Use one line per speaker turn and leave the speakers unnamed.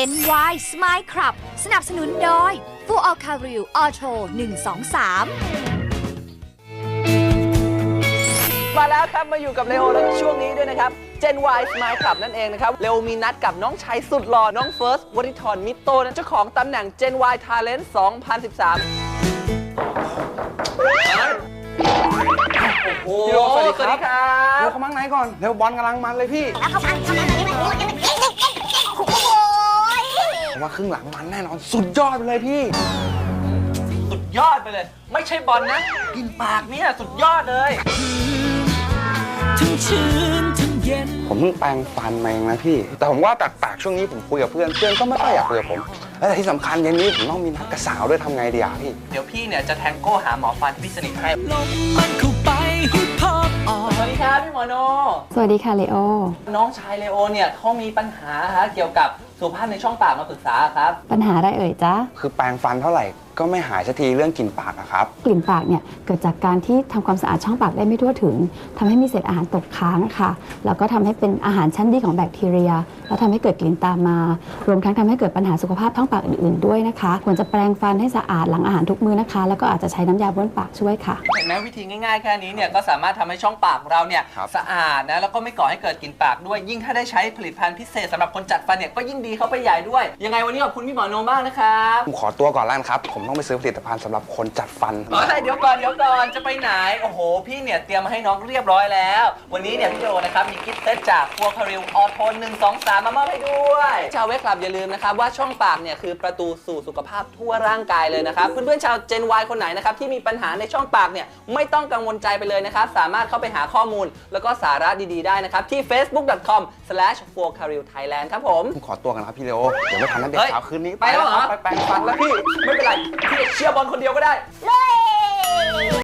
Gen Y Smile Club สนับสนุนโดย Full All Caril Auto 123
มาแล้วครับมาอยู่กับเลโอแล้วช่วงนี้ด้วยนะครับ Gen Y Smile Club นั่นเองนะครับเลโอมีนัดกับน้องชายสุดหล่อน้องเฟิร์สวริธรมิตโตนะเจ้าของตำแหน่ง Gen Y Talent 2013 โอ้โหสวัสดีครับ
เร็วเข้ามาข้างในก่อนเร็วบอลกำลังมันเลยพี่ผมว่าครึ่งหลังมันแน่นอนสุดยอดไปเลยพี่
สุดยอดไปเลย ไม่ใช่บอลนะกินปากเนี่ยสุดยอดเลย
ผมเพิ่งแปรงฟันมาเองนะพี่แต่ผมว่าแปลกๆช่วงนี้ผมคุยกับเพื่อนก็ไม่ค่อยอยากคุยกับผมและที่สำคัญเย็นนี้ผมต้องมีนัดกับสาวด้วยทำไงดีอ่ะพี่
เดี๋ยวพี่เนี่ยจะแทงโก้หาหมอฟันพี่สนิทให้สวัสดีครับพี่หมอโน
สวัสดีค่ะเลโอ
น้องชายเลโอเนี่ยเขามีปัญหาเกี่ยวกับสุขภาพในช่องปากมาปรึกษาครับ
ปัญหาอะไรเอ่ยจ๊ะ
คือแปรงฟันเท่าไหร่ก็ไม่หายสักทีเรื่องกลิ่นปากอะครับ
กลิ่นปากเนี่ยเกิดจากการที่ทำความสะอาดช่องปากได้ไม่ทั่วถึงทำให้มีเศษอาหารตกค้างค่ะแล้วก็ทำให้เป็นอาหารชั้นดีของแบคทีเรียแล้วทำให้เกิดกลิ่นตามมารวมทั้งทำให้เกิดปัญหาสุขภาพท้องปากอื่นๆด้วยนะคะควรจะแปรงฟันให้สะอาดหลังอาหารทุกมื้อนะคะแล้วก็อาจจะใช้น้ำยาบ้วนปากช่วยค่ะ
เห็นไหมวิธีง่ายๆแค่นี้เนี่ยก็สามารถทำให้ช่องปากของเราเนี่ยสะอาดนะแล้วก็ไม่ก่อให้เกิดกลิ่นปากด้วยยิ่งถ้าได้ใช้ผลิตภัณฑ์พิเศษสำหรับคนจัดฟันเนี่ยก็ยิ่งดีเข้าไปใหญ่ด้วยยังไงวันนี้ขอบคุณพี่หมอโนมากนะครับ
ผมขอตัวก่อนแล้วครับผมต้องไปซื้อผลิตภัณฑ์สำหรับคนจัดฟัน
เดี๋ยวก่อนจะไปไหนโอ้โหพี่เนี่ยเตรียมมาให้น้องเรียบร้อยแล้ววันนี้เนี่ยพี่โดนะครับมีกิฟต์เซตจากFull Caril Auto 123มามอบให้ด้วยชาวเวกคลับอย่าลืมนะครับว่าช่องปากเนี่ยคือประตูสู่สุขภาพทั่วร่างกายเลยนะครับเพื่อนๆชาว Gen Y คนไหนนะครับที่มีปัญหาในช่องปากเนี่ยไม่ต้องกังวลใจไปเลยนะครับสามารถเข้าไปหาข้อมูลแล้วก็สาระดีๆได้นะครับที่ facebook.com/fullcarilthailand ครับผม
ขอตัวกันครับพี่เลโอเดี๋ยวไม่ทันนัดเด็กสาวคืนนี้
ไปแล้วเหรอ
ไปแปรงฟันแล้วพี่
ไม่เป็นไรพี่เชียร์บอลคนเดียวก็ได้